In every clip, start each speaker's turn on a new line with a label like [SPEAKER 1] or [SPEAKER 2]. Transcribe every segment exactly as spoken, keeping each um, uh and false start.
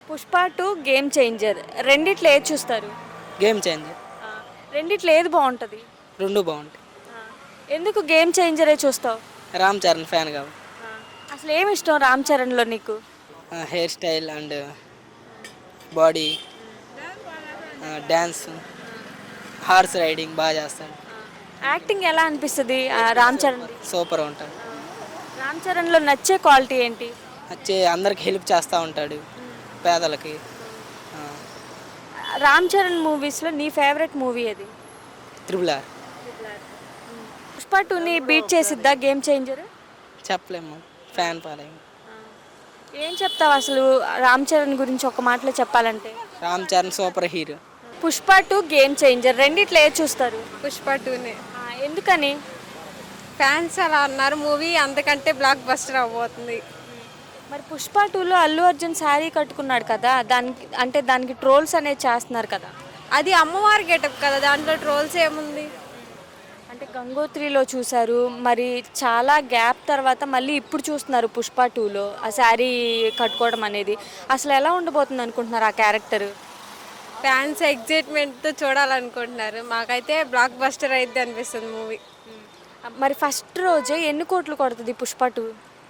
[SPEAKER 1] Pushpa two game changer రెండిట్లో ఏది చూస్తారు?
[SPEAKER 2] Game changer.
[SPEAKER 1] ఆ, రెండిట్లో ఏది బాగుంటుంది?
[SPEAKER 2] రెండు బాగుంటాయి.
[SPEAKER 1] ఆ, ఎందుకు గేమ్ చేంజరే చూస్తావు?
[SPEAKER 2] రామ్ చరణ్ ఫ్యాన్ కాబట్టి.
[SPEAKER 1] ఆ, అసలు ఏమి ఇష్టం రామ్ చరణ్లో నీకు?
[SPEAKER 2] Hair style and body, dance, horse riding బాగా చేస్తాడు.
[SPEAKER 1] యాక్టింగ్ ఎలా అనిపిస్తుంది ఆ, రామ్ చరణ్?
[SPEAKER 2] సూపర్ ఉంటాడు.
[SPEAKER 1] రామ్ చరణ్లో నచ్చే క్వాలిటీ ఏంటి?
[SPEAKER 2] వచ్చి అందరికి హెల్ప్ చేస్తూ ఉంటాడు, పేదలకి. ఆ,
[SPEAKER 1] రామ్ చరణ్ మూవీస్లో నీ ఫేవరెట్ మూవీ ఏది?
[SPEAKER 2] Triple R.
[SPEAKER 1] పుష్ప టూని బీట్ చేసిద్దా గేమ్ చేంజర్?
[SPEAKER 2] చెప్పలేము, ఫ్యాన్ ఫాలోయింగ్.
[SPEAKER 1] ఏం చెప్తావు అసలు రామ్ చరణ్ గురించి ఒక మాటలో చెప్పాలంటే?
[SPEAKER 2] Ram Charan superhero.
[SPEAKER 1] Pushpa two game changer రెండిట్లో ఏది చూస్తారు?
[SPEAKER 3] పుష్ప టూనే.
[SPEAKER 1] ఆ, ఎందుకని?
[SPEAKER 3] ఫ్యాన్స్ అలా అన్నారు, మూవీ అంతకంటే బ్లాక్ బస్టర్ అవబోతుంది.
[SPEAKER 1] మరి పుష్ప టూలో అల్లు అర్జున్ శారీ కట్టుకున్నాడు కదా, దానికి అంటే దానికి ట్రోల్స్ అనేది చేస్తున్నారు కదా.
[SPEAKER 3] అది అమ్మవారి గెటప్ కదా, దాంట్లో ట్రోల్స్ ఏముంది?
[SPEAKER 1] అంటే గంగోత్రిలో చూశారు, మరి చాలా గ్యాప్ తర్వాత మళ్ళీ ఇప్పుడు చూస్తున్నారు పుష్ప టూలో ఆ శారీ కట్టుకోవడం అనేది. అసలు ఎలా ఉండబోతుంది అనుకుంటున్నారు ఆ క్యారెక్టర్?
[SPEAKER 3] ఫ్యాన్స్ ఎగ్జైట్మెంట్తో చూడాలనుకుంటున్నారు. మాకైతే బ్లాక్ బస్టర్ అయితే అనిపిస్తుంది మూవీ.
[SPEAKER 1] మరి ఫస్ట్ రోజే ఎన్ని కోట్లు కొడుతుంది పుష్ప టూ?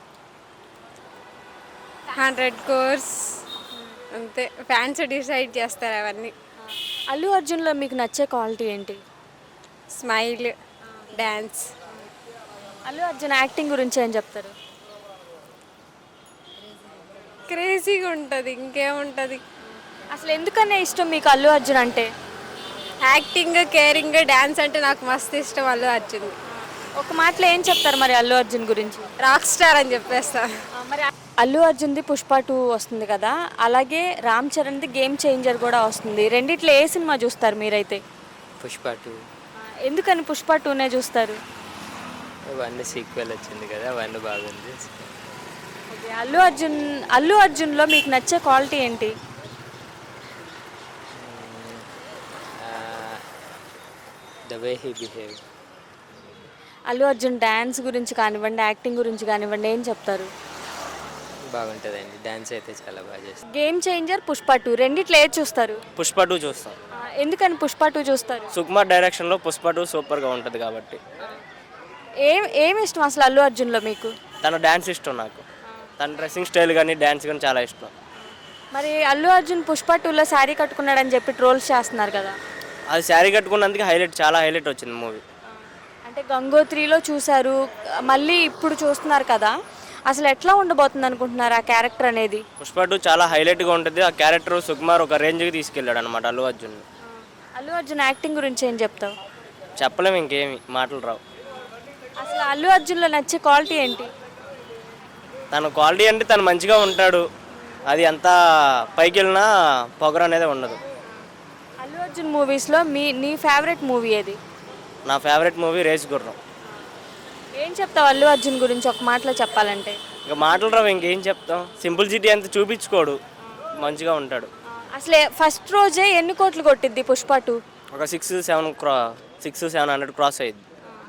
[SPEAKER 3] హండ్రెడ్ కోర్స్ అంతే, ఫ్యాన్స్ డిసైడ్ చేస్తారు అవన్నీ.
[SPEAKER 1] అల్లు అర్జున్లో మీకు నచ్చే క్వాలిటీ ఏంటి?
[SPEAKER 3] Smile, dance.
[SPEAKER 1] Allu Arjun acting గురించి ఏం చెప్తారు?
[SPEAKER 3] క్రేజీగా ఉంటుంది, ఇంకేముంటుంది.
[SPEAKER 1] అసలు ఎందుకనే ఇష్టం మీకు అల్లు అర్జున్ అంటే?
[SPEAKER 3] యాక్టింగ్, కేరింగ్, డ్యాన్స్ అంటే నాకు మస్తు ఇష్టం అల్లు అర్జున్.
[SPEAKER 1] ఒక మాటలో ఏం చెప్తారు మరి అల్లు అర్జున్ గురించి?
[SPEAKER 3] రాక్ స్టార్ అని చెప్పేస్తా.
[SPEAKER 1] మరి అల్లు అర్జున్ది పుష్ప టూ వస్తుంది కదా, అలాగే రామ్ చరణ్ది గేమ్ చేంజర్ కూడా వస్తుంది. రెండిట్లో ఏ సినిమా చూస్తారు మీరైతే?
[SPEAKER 4] పుష్ప టూ.
[SPEAKER 1] ఎందుకని పుష్ప టూనే చూస్తారు?
[SPEAKER 4] వన్ సీక్వెల్ వచ్చింది కదా, వన్ బాగుంది.
[SPEAKER 1] ఓకే, అల్లు అర్జున్ అల్లు అర్జున్లో మీకు నచ్చే క్వాలిటీ ఏంటి?
[SPEAKER 4] The way he behave.
[SPEAKER 1] Allu Arjun dance గురించి కానివ్వండి, యాక్టింగ్ గురించి కానివ్వండి, ఏం చెప్తారు?
[SPEAKER 4] బాగుంటుందండి, డ్యాన్స్ అయితే చాలా బాగా చేస్తారు.
[SPEAKER 1] గేమ్ చేంజర్ పుష్ప టూ రెండిట్లో ఏది చూస్తారు?
[SPEAKER 5] పుష్ప టూ చూస్తాం.
[SPEAKER 1] ఆ, ఎందుకని పుష్ప టూ చూస్తారు?
[SPEAKER 5] సుకుమార్ డైరెక్షన్లో పుష్ప టూ సూపర్గా ఉంటుంది కాబట్టి.
[SPEAKER 1] ఏం ఏమి ఇష్టం అసలు అల్లు అర్జున్లో మీకు?
[SPEAKER 5] తన డ్యాన్స్ ఇష్టం నాకు, తన డ్రెస్సింగ్ స్టైల్ కానీ డ్యాన్స్ కానీ చాలా ఇష్టం.
[SPEAKER 1] మరి అల్లు అర్జున్ పుష్ప టూలో శారీ కట్టుకున్నాడని చెప్పి ట్రోల్స్ చేస్తున్నారు కదా.
[SPEAKER 5] అది శారీ కట్టుకున్నందుకు హైలైట్, చాలా హైలైట్ వచ్చింది మూవీ.
[SPEAKER 1] అంటే గంగోత్రిలో చూశారు, మళ్ళీ ఇప్పుడు చూస్తున్నారు కదా, అసలు ఎట్లా ఉండబోతుంది అనుకుంటున్నారు ఆ క్యారెక్టర్ అనేది?
[SPEAKER 5] పుష్ప టూ చాలా హైలైట్గా ఉంటుంది. ఆ క్యారెక్టర్ సుకుమార్ ఒక రేంజ్కి తీసుకెళ్ళాడు అనమాట అల్లు అర్జున్.
[SPEAKER 1] అల్లు అర్జున్ యాక్టింగ్ గురించి ఏం చెప్తావు?
[SPEAKER 5] చెప్పలేము, ఇంకేమి మాటలు రావు.
[SPEAKER 1] అసలు అల్లు అర్జున్లో నచ్చే క్వాలిటీ ఏంటి?
[SPEAKER 5] తన క్వాలిటీ అంటే తను మంచిగా ఉంటాడు, అది అంతా పైకి వెళ్ళినా పొగరు అనేది ఉండదు.
[SPEAKER 1] అల్లు అర్జున్ మూవీస్లో మీ నీ ఫేవరెట్ మూవీ ఏది?
[SPEAKER 5] నా ఫేవరెట్ మూవీ రేస్ గుర్రం.
[SPEAKER 1] ఏం చెప్తావు అల్లు అర్జున్ గురించి ఒక మాటలో చెప్పాలంటే?
[SPEAKER 5] ఇంకా మాటలు రావు, ఇంకేం చెప్తాం. సింపుల్ సిటీ అంత చూపించుకోడు, మంచిగా ఉంటాడు.
[SPEAKER 1] అసలే ఫస్ట్ రోజే ఎన్ని కోట్లు కొట్టిద్ది పుష్ప టూ?
[SPEAKER 5] ఒక సిక్స్ సెవెన్ క్రా సిక్స్ సెవెన్ హండ్రెడ్ క్రాస్ అయ్యింది.